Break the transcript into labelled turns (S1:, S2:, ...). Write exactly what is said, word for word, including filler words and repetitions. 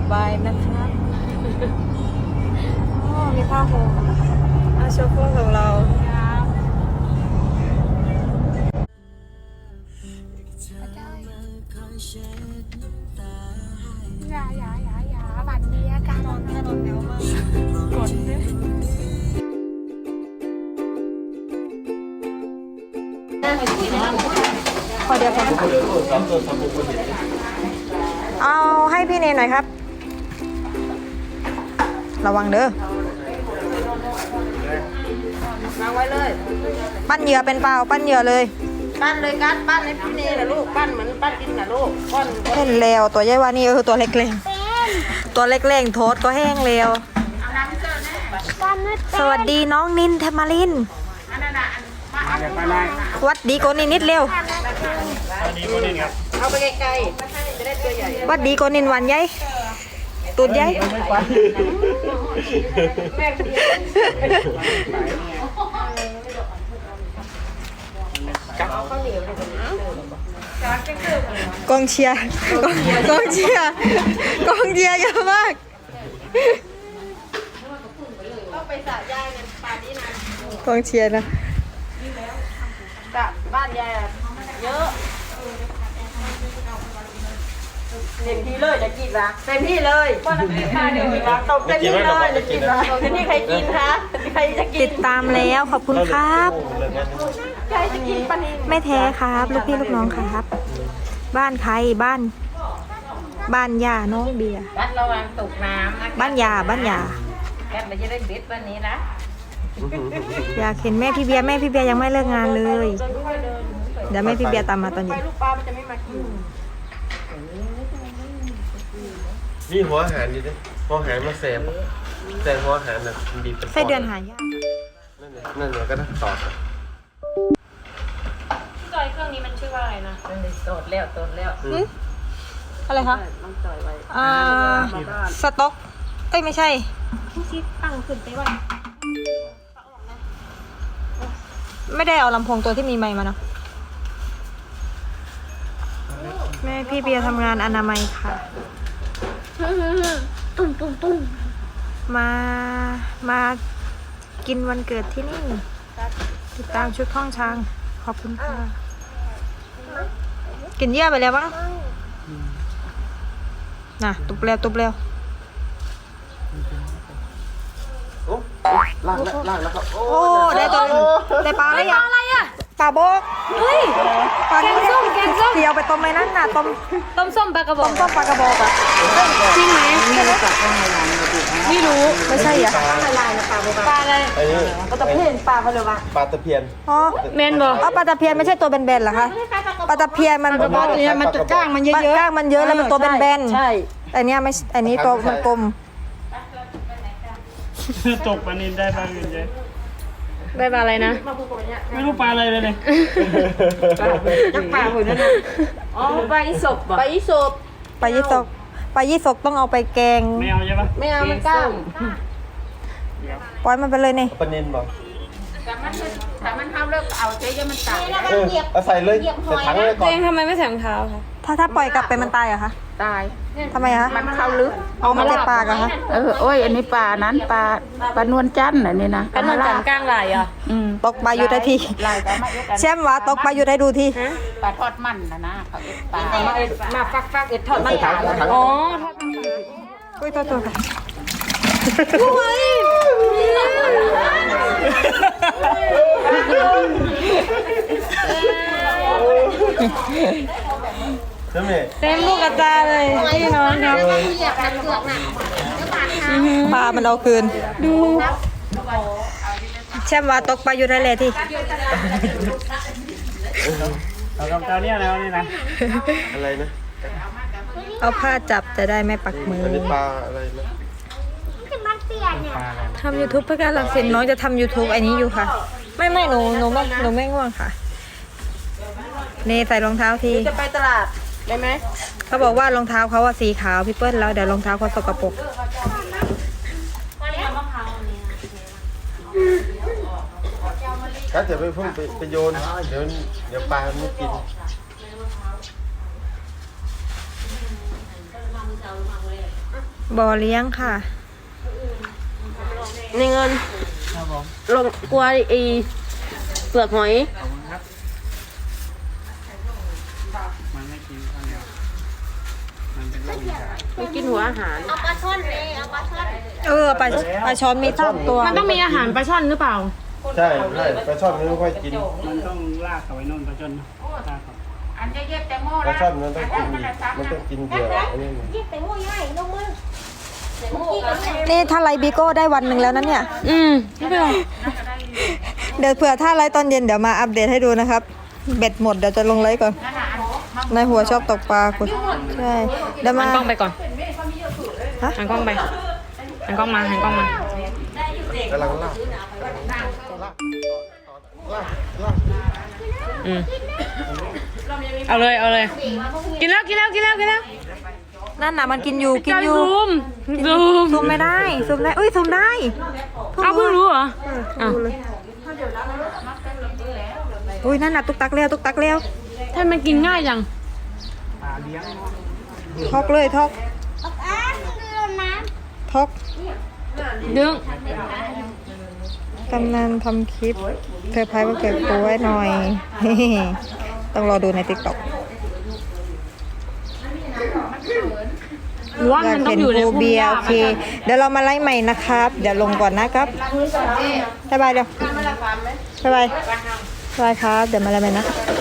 S1: บายนะครับอ๋อมีผ้าห่มอาโชว์พุ่งของเรา
S2: อย่าอย่าอย่าอย่าบัตรเบียร์การนอนแน่นอนแล้วมากกดเลย
S1: พอเดียวพอเอาให้พี่เนนหน่อยครับระวังเด้อวางไว้เลยปั้นเหยื่อเป็นเปล่าปั้นเหยื่อเลยปั้นเลยกัดปั้นให้พี่เนนนะลูกปั้นเหมือนปั้นกินนะลูกก้อนเห็นแล้วตัวใหญ่ว่านี่เออตัวเล็กๆตัวเล็กๆโทษก็แห้งแล้วสวัสดีน้องนินเทมารินวัดดีโกนินนิดเร็วเอาไปไกลๆจะได้ตัวใหญ่วัดดีโกนินวันใหญ่ตูดใหญ่กองเชียร์กองเชียร์กองเชียร์เยอะมากต้องไปสระยายกันป่านนี้นะกองเชียร์นะสระบ้านยายเยอะเต็มที่เลยจะกินละเต็มที่เลยตบเต็มที่เลยจะกินละเต็มที่ใครกินคะใครจะกินติดตามแล้วขอบคุณครับใครจะกินปนินไม่แท้ครับลูกพี่ลูกน้องครับบ้านใครบ้านบ้านยาน้องเบียร์บ้านระวังตกน้ำบ้านยาบ้านยาแกเราจะได้เบ็ดวันนี้นะอยากเห็นแม่พี่เบียร์แม่พี่เบียร์ยังไม่เลิกงานเลยเดี๋ยวแม่พี่เบียร์ตามมาตอนเย็นลูกปลามันจะไม่มากิน
S3: นี่หัวอาหารดิหัวอาหารมาแซมแซมหัวอาหารแบบบีบเป็นก้อน
S1: ไส้เดือนหายาก
S3: นั่นเนี่ยนั่นเนี่ยก็ต้องตอบ
S2: พี่จอยเครื่องนี้มันชื่อว่าอะไรนะโตดแล้วโตดแล้ว
S1: อะไรคะต้องจอยไว้อ่าสต็อกเอ้ยไม่ใช่ที่ชิดตั้งขึ้นไปไว้ไม่ได้เอาลำโพงตัวที่มีไมค์มาเนาะแม่พี่เบียร์ทำงานอนามัยค่ะ
S2: ตุ้มตุ้มตุ้ม
S1: มามากินวันเกิดที่นี่ติดตามชุดท่องช้างขอบคุณค่ะกินเยอะไปแล้วบ้างน่ะตุบเร็วตุบเร็ว
S3: โอ้ล่างแล้วล่างแล้วครับ
S1: โอ้ได้ตัวได้ปลาอะไรอ่ะอะไรอ่ะปลาโบก
S2: เฮ้ย
S1: ปลาแกงส้มแกงส้มเดี๋ยวไปต้มในนั้นน่ะต้ม
S2: ต้มส้มปลากระบอก
S1: ต้มปลากระบอกอ่ะ
S2: จริงไหม
S1: ไม่รู้จักข้างในร้านไม่รู้ไม่ใช่อ่ะข้างในร้านนะปลาโบก
S2: ปลาอะไร
S1: ปลาตะเพียนปลาเขาเลยว่า
S3: ปลาตะเพียน
S1: อ๋อ
S2: เมนบอก
S1: อ๋อปลาตะเพียนไม่ใช่ตัวแบนๆเหรอคะปลาตะเพียนมันปลาตะเพียนมันจะก้างมันเยอะๆก้างมันเยอะแล้วมันตัวแบนๆใช่อันนี้ไม่อันนี้ตัวมันกลม
S4: ตกปลานินได้ปลาอื่นเยอะ
S2: ได้ปลาอะไรนะ
S4: ไม่รู้ปลาอะไรเลยเลย
S1: จักปลาหุ่นนั่นนะ
S2: อ๋อปลาอีสบ
S1: ปลายี่สกปลายี่สกปลายี่สกต้องเอาไปแกง
S4: ไม่เอาใช่ปะ
S1: ไม่เอามันก้างปล่อยมันไปเลยนี่
S3: ปลานินบอก
S2: แต่มันแต่มันทำเลิกเอาเจ๊มันตาย
S3: เออเอาใส่เลยใส่ถังเลยก่อน
S2: เจ๊ทำไมไม่ใส่รองเท้าคะ
S1: ถ้าถ้าปล่อยกลับไปมันตายเหรอคะ
S2: ตาย
S1: ทำไมคะ
S2: มันเข้าลึก
S1: เอามาจากปลากันคะ
S5: เออโอ้ยอันนี้ปลานั้นปลาปลานวลจันทร์อันนี้นะ
S2: ปลานวลจันทร์กลางไหลอ่ะ
S1: ตกปลาอยู่ได้ทีแช่มว่าตกปลาอยู่ได้ดูที
S5: ปลาทอดมันนะนะเขาเอ็ดปลา
S2: มาฟักฟักเอ็ดทอดมัน
S3: ถังถัง
S2: อ๋อ
S1: อุ้ยตัวตัวค่ะเต็มลูกกระตาเลยพี่น้องครับปลามันเอาคืนดูแช่มว่าตกปลาอยู่ได้เลยที่
S4: เอากำเจ้าเนี่ยแล้วนี่นะ
S3: อะไรนะ
S1: เอาผ้าจับจะได้ไม่ปักมือ
S3: อันนี้ปลาอะไรนะ
S1: ทำ ยูทูบ เพื่อการหลักสินน้องจะทำ ยูทูบ อันนี้อยู่ค่ะไม่ไม่หนูหนูไม่หนูไม่ง่วงค่ะเนใส่รองเท้าทีจะไปตลาดได้ไหมเขาบอกว่ารองเท้าเขาว่าสีขาวพี่เปิ้ลแล้วเดี๋ยวรองเท้าเขาสกปรก
S3: ถ้าเดี๋ยวไปเพิ่งไปโยนเดี๋ยวเดี๋ยวปลาไม่กิน
S1: บ่อเลี้ยงค่ะ ในเงิน
S4: ครับผม
S1: ลงกลัวไอีเปลือกหอย
S4: ขอบคุณครับมันไม่กินข้าวเหนียวมันเป็นโรคอีสาน
S1: มันกินหัวอาหาร
S2: เอาปลาช่อนเลยเอาปลาช่อน
S1: เออปลาปลาช้อนมีสามตัว
S6: มันต้องมีอาหารปลาช่อนหรือเปล่า
S3: ใช่ใช่ปลาช่อนมันไม่ค่อยกิน
S4: มันต้องลากเขาไว้นู่นปลาจนลากเขา
S3: ปลาช่อนมันต้องกินอีกมันต้องกินเหยื่ออันนี้
S2: ยิบไปงูใหญ่ลงมือ
S1: นี่ถ้าไลฟ์บิโก้ได้วันหนึ่งแล้วนะเนี่ย
S6: อืมไม่เป็นไร
S1: เดี๋ยวเผื่อถ้าไลฟ์ตอนเย็นเดี๋ยวมาอัปเดตให้ดูนะครับ เบ็ดหมดเดี๋ยวจะลงไลฟ์ก่อนนายหัวชอบตกปลาคุณใช่เดี๋ยว
S6: หั
S1: มาน
S6: กล้องไปก่อน
S1: ฮะ
S6: หันกล้องไปหันกล้องมาหันกล้องมาก
S3: ำลังลากลากลากลาก
S6: อืมเอาเลยเอาเลย กินแล้วกินแล้วกินแล้วกินแล้ว
S1: นั่นน่ะมันกินอยู่กินอยู่
S6: ซูมซูม
S1: ซูมไม่ได้ซูมได้อุ้ยซูมได้
S6: เอาเพิ่งรู้เหรออ้าว
S1: อุ้ยนั่นน่ะตุกตักเร็วตุกตักเร็ว
S6: ทำไมมันกินง่ายจัง
S4: ปลาเลี้ยงเนาะ
S1: ทอกเลยทอก
S2: อ้ามึงดูน้
S1: ทอก
S6: ดึง
S1: กำนันทำคลิปเธอพายวันเกิดกูไว้หน่อย ต้องรอดูในติ๊กต็อก
S6: หรือว่า
S1: อยา
S6: มั
S1: ก
S6: นต้อ
S1: เห็
S6: ง
S1: น
S6: อยู่ใน
S1: ภู
S6: พุ่ม
S1: เบีย
S6: ห
S1: ร์
S6: ญ้า
S1: โอเค เดี๋ยวเรามาไล่ใหม่นะครับ เดี๋ยวลงก่อนนะครับบ๊ายบายเดี๋ยวบ๊ายบายบ๊ายบายครับ เดี๋ยวมาไล่ใหม่นะ